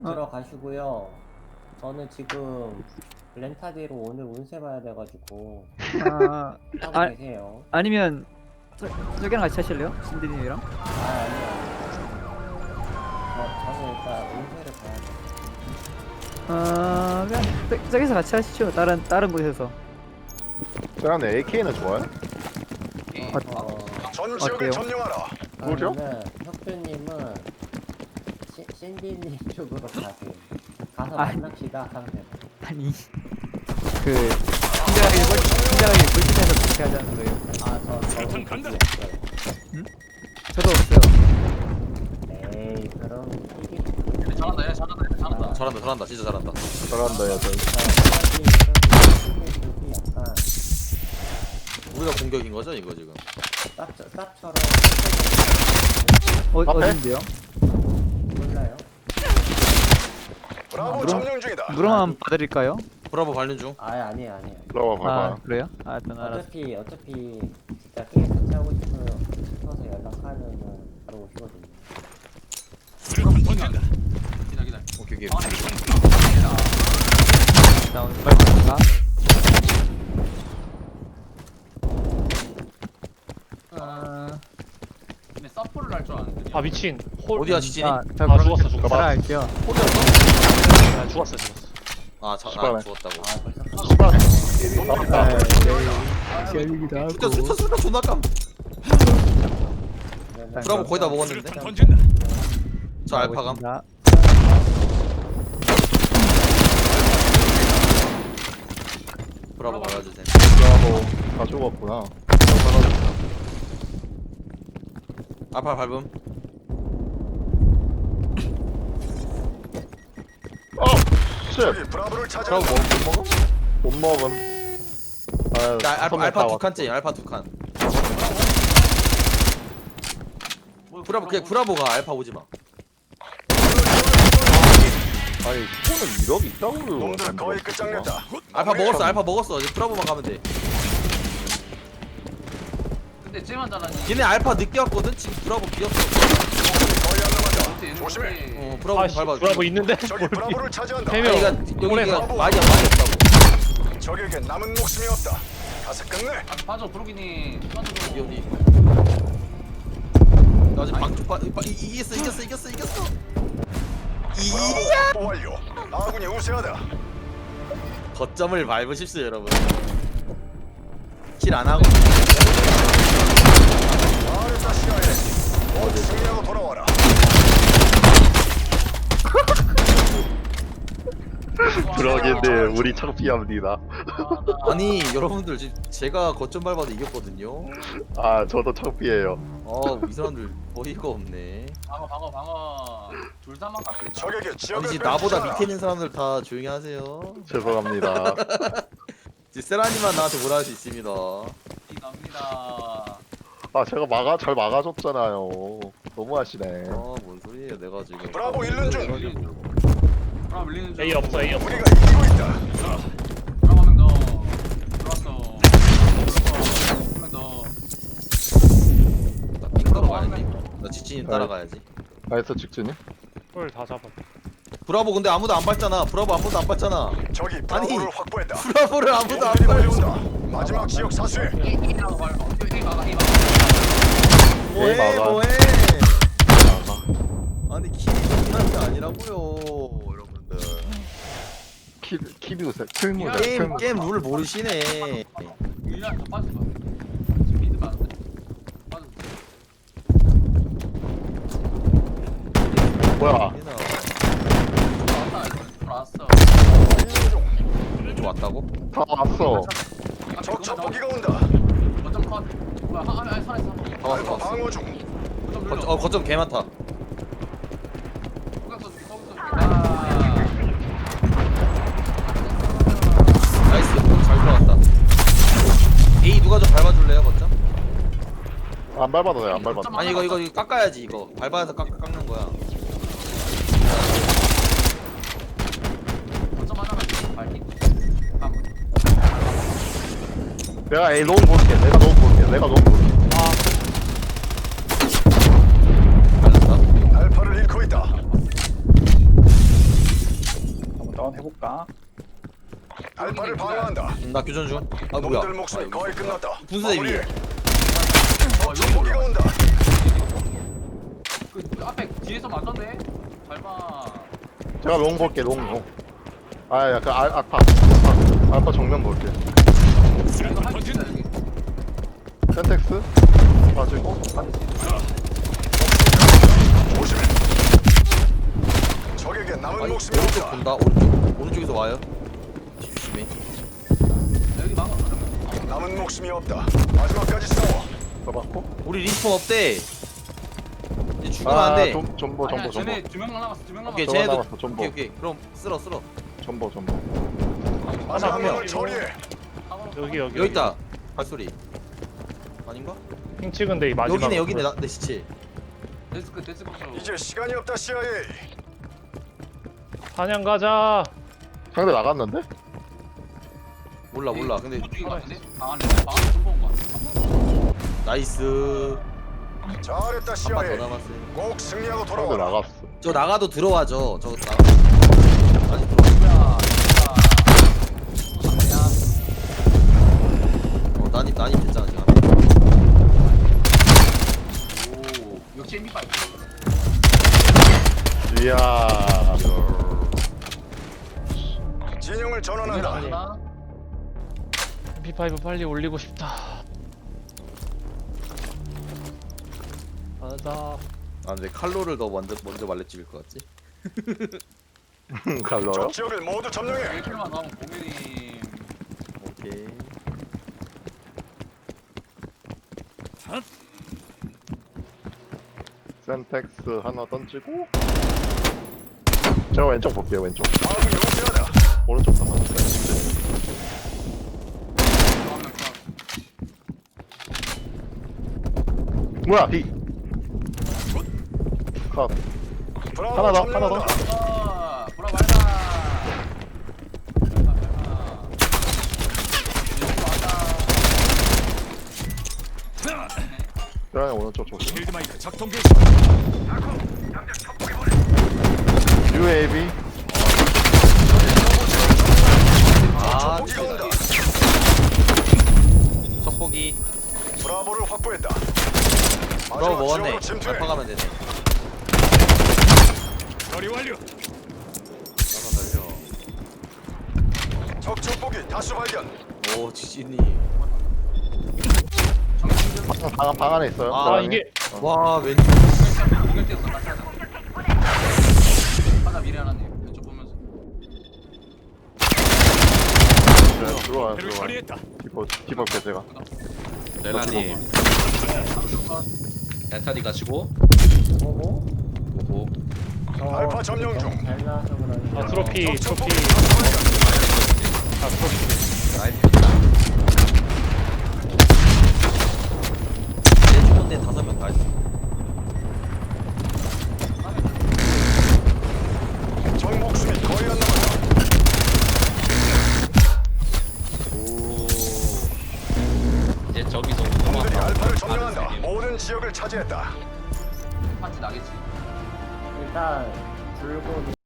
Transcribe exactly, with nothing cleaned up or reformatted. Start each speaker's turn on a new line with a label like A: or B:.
A: 들어가시고요. 저는 지금 렌타디로 오늘 운세 봐야 돼가지고
B: 아,
A: 하고
B: 아
A: 계세요.
B: 아니면 저, 저기랑 같이 하실래요? 신디님이랑?
A: 아 아니요. 저, 저는 일단 운세를 봐야 돼.
B: 아 그냥 저, 저기서 같이 하시죠. 다른 다른 곳에서.
C: 저는 에이케이는 좋아요?
A: 어,
D: 전
B: 어때요?
D: 지역을 점령하라.
C: 뭐죠?
A: 그러면은 혁주님은 시, 신디님 쪽으로 가세요. 가서
B: 아니.
A: 만납시다 상대.
B: 아니 그 팀장에게 물 팀장에게 물팀에서 그렇게 하자는 거예요.
A: 아저 저는
E: 간다.
A: 거기 없어요.
B: 저도 없어요.
A: 에이 그럼 이게
E: 잘한다, 야, 잘한다, 야, 잘한다.
F: 잘한다 잘한다 진짜 잘한다.
C: 잘한다 야 저.
A: 저기 저기 쪽이 약간
F: 우리가 공격인 거죠 이거 지금?
A: 쌉 쌉처럼
B: 어
C: 앞에?
B: 어딘데요?
A: 몰라요.
D: 브라보
B: 물론-
D: 점령 중이다.
B: 물어만 봐드릴까요?
F: 브라보 관련 중.
A: 아 아니에요 아니에요.
C: 들어와
B: 아
C: 봐봐.
B: 그래요? 아 일단 알았어.
A: 어차피 어차피 진짜 게임 같이 하고 싶어요. 싶어서 연락하면은 바로 오시거든요.
E: 기다, 기다.
F: 오케이 오케이.
B: 나 오늘 빨리 갈까? 아,
E: 근데 서포를 할 줄 아는데.
G: 아 미친 홀
F: 어디야 지진이?
B: 자, 자
G: 아,
B: 그럼
G: 죽었어, 죽었어.
B: 따라갈게요.
G: 아, 죽었어 죽었어
F: 아, 자, 아
C: 씨발.
F: 죽었다고.
A: 아 벌써
C: 씨발.
B: 아, 열리기도 하고.
F: 진짜 스타 스타 존나 깜.
A: 그러면
F: 브라보 거의 다 먹었는데. 저 알파감.
B: 자,
F: 브라보 가야주세요.
C: 브라보 다 죽었구나.
F: 알파 밟음.
C: 어! 쉣!
D: 저기 브라보를
F: 브라보
D: 차지한다.
F: 뭐, 못 먹음?
C: 못 먹음. 아,
F: 나 알파
C: 선물
F: 알파
C: 다
F: 두
C: 왔어.
F: 칸째. 알파 두 칸. 브라보 그냥 브라보가 알파 오지 마.
C: 아니 손은 일억 있다고
D: 놈들 거의 끝장냈다.
F: 알파 먹었어. 알파 먹었어. 이제 브라보만 가면 돼.
E: 근데 쟤만 잘하니.
F: 걔네 알파 늦게 왔거든. 지금 브라보 비었어.
D: 거의 안 남았다.
E: 어때,
D: 조심해.
E: 어때?
F: 어 브라보
G: 아씨
F: 밟아.
G: 브라보 있는데
D: 저기 브라보를 차지한다.
G: 세
F: 아니
G: 명.
F: 이거 여기가 많이 많이 없다고.
D: 적에게 남은 목숨이 없다. 가서 끝내.
E: 아, 봐줘, 브루기니. 봐줘.
F: 기현이. 나 지금 방쪽 빠, 빠, 이- 이겼어 이겼어 이겼어 이겼어. 이
D: 브라보 확보 완료. 아군이 우세하다.
F: 거점을 밟으십시오 여러분. 킬 안 하고.
D: 아르타 시야에 모두 승리하고 돌아와라.
C: 그러겠네 우리 창피합니다.
F: 아니 여러분들 지금 제가 거점 밟아도 이겼거든요.
C: 아 저도 창피해요.
F: 아이 사람들 어이가 없네.
E: 방어, 방어, 방어. 둘 다 막았어.
D: 적에게
F: 아니
D: 지역을
F: 지금 나보다
D: 빼앗겨라.
F: 밑에 있는 사람들 다 조용히 하세요.
C: 죄송합니다.
F: 이제 세라님만 나한테 뭐라 할 수 있습니다.
E: 갑니다.
C: 아 제가 막아 잘 막아줬잖아요. 너무하시네.
F: 아뭔 소리예요 내가 지금.
D: 브라보 일륜 중.
E: 브라보 밀리는 중.
G: A 없어 A 없어
D: 우리가 이기고 있다.
E: 브라보 한명 더. 들어왔어. 한명 더.
F: 나 핑가로 가야지. 나 지진이 따라가야지.
C: 나이스 직진이?
G: 홀다 잡아
F: 브라보 근데 아무도 안 밟잖아. 브라보 아무도 안 밟잖아.
D: 적이 브라보를 확보했다.
F: 브라보를 아무도 안
D: 놈들이
F: 밟았어.
D: 몰려온다. 마지막 지역 사수해.
E: A라고 밟아. A 막아, A 막아.
F: 뭐해
C: 막아.
F: 뭐해.
C: 나가.
F: 아니 킬이 중요한 게 아니라고요 여러분들.
C: 키 키비우세 틀무다.
F: 게임 게임 룰 모르시네.
E: 일리안 더 빠지마. 지금 미드만 안 돼. 빠져.
C: 뭐야?
E: 왔다, 들어왔어.
F: 좀 왔다고?
C: 다 왔어.
D: 적 첩보기가 온다.
E: 거점 컷. 뭐야, 아, 아니, 살아있어.
F: 다 왔어
D: 알파
F: 다 왔어.
D: 방어 중.
E: 거점
F: 거,
E: 눌러.
F: 어 거점 개 많다.
E: 소각 써줄게, 소각 써줄게. 아.
F: 나이스 잘 들어갔다. A 누가 좀 밟아줄래요 거점?
C: 안 밟아도 돼. 안 밟아도. 돼.
F: 아니 이거 이거 이거 깎아야지 이거 밟아서 깎, 깎는 거야.
E: 거점 하나만 발기. 아,
C: 내가 A 너무 볼게. 내가 너무 볼게. 내가 너무 볼게.
F: 밟았다.
D: 알파를 잃고 있다.
H: 교전 해볼까?
D: 알파를 방어한다.
F: 음, 나 교전 중. 아 뭐야?
D: 놈들 목숨이
F: 아,
D: 거의 끝났다.
F: 분수대
D: 마무리해.
F: 위에.
D: 적 전폭기가 온다.
E: 그 앞에 뒤에서 맞았네. 잘봐.
C: 제가 롱 볼게 롱 롱. 아 약간 알, 알파 알파 알파 정면 볼게.
E: 이거 할수 있다 여기.
C: 센텍스 빠지고
D: 조심해. 적에게 남은
F: 아니
D: 목숨이
F: 오른쪽
D: 없다.
F: 본다. 오른쪽 오른쪽에서 와요. 조심해.
E: 여기 막아 그러면.
D: 남은 목숨이 없다. 마지막까지 싸워.
C: 잡았고.
F: 우리 리스폰 없대. 이제 죽으면
C: 아
F: 안 돼.
C: 좀 전보
E: 아니야,
C: 전보 전보
E: 쟤네 두명 남았어. 두명 남았어.
F: 오케이
C: 저거
F: 쟤네도.
C: 남았어, 전보.
F: 오케이 오케이. 그럼 쓸어 쓸어.
C: 전보 전보.
D: 마지막
F: 한 명.
D: 명을 처리해.
G: 여기 여기
F: 여기 있다. 발소리. 아닌가?
G: 핑 찍은데 이 마지막
F: 여기네 여기네 나, 내 시체.
E: 데스크 데스크로.
D: 이제 시간이 없다 씨아이에이.
G: 사냥 가자.
C: 상대 나갔는데?
F: 몰라 몰라. 근데
E: 중인 거 같은데? 방 안에 방 안에 좀 본거 같아.
F: 나이스.
D: 잘했다
F: 한 판 더
D: 씨아이에이.
F: 남았어요.
D: 꼭 승리하고
C: 상대
D: 돌아오라.
C: 나갔어.
F: 저 나가도 들어와죠. 저 나가. 아니 들어와.
E: 야, 진짜. 야,
F: 어 난입 난입 됐잖아 지금.
E: 오, 역시 엠비파이브.
C: 이야.
D: 진영을 전환한다.
E: 하나.
G: 엠피 파이브 빨리 올리고 싶다. 가자.
F: 아 근데 칼로를 더 먼저 먼저 말레 찍을 것 같지?
C: 갈러요?
D: 적 지역을 모두 점령해.
E: 일 킬만 나오면 공연이.
F: 오케이.
C: 센텍스 하나 던지고. 제가 왼쪽 볼게요 왼쪽.
D: 아군이 우세하다.
C: 오른쪽 하나. 뭐야 B. 컷.
D: 브라보
C: 하나 더, 하나 더.
D: 점령한다.
E: 아, 보라 말다. 밟아, 밟아. 이거 왔다.
C: 그러면 오른쪽 조심.
D: 필드마이크 작동 개시.
C: 유에이비.
F: 아
D: 적폭기가 온다.
F: 첩보기.
D: 브라보를 확보했다.
F: 브라보
D: 마지막
F: 먹었네.
D: 지역으로 침투해.
F: 알파 가면 되네.
D: 처리 완료.
F: 나가 달려.
D: 적 적폭기 다수 발견.
F: 오 지진이.
C: 방, 방, 방 안에 있어요.
F: 아,
C: 방
G: 아
C: 안에.
G: 이게
F: 와 왼쪽.
E: 공연 뛰었어, 같이 하자. 하나 미래 하나님, 왼쪽 보면서.
C: 네, 들어와요 들어와요. 디버 디버게 제가.
F: 레나님. 에타디 가시고.
A: 오고.
F: 오호.
A: 어,
D: 알파 점령 중.
A: 잘 나와서 그런지.
G: 아 트로피
D: 적
G: 트로피.
D: 적폭기 다수 발견.
G: 아 트로피.
F: 나이스. 내 주문대 다섯 명 다 있어.
D: 적 목숨이 거의 안 남았다.
F: 오. 이제 저기서
D: 놈들이 알파를 점령한다. 모든 지역을 차지했다.
E: 파티 나겠지.
A: 일단 줄곧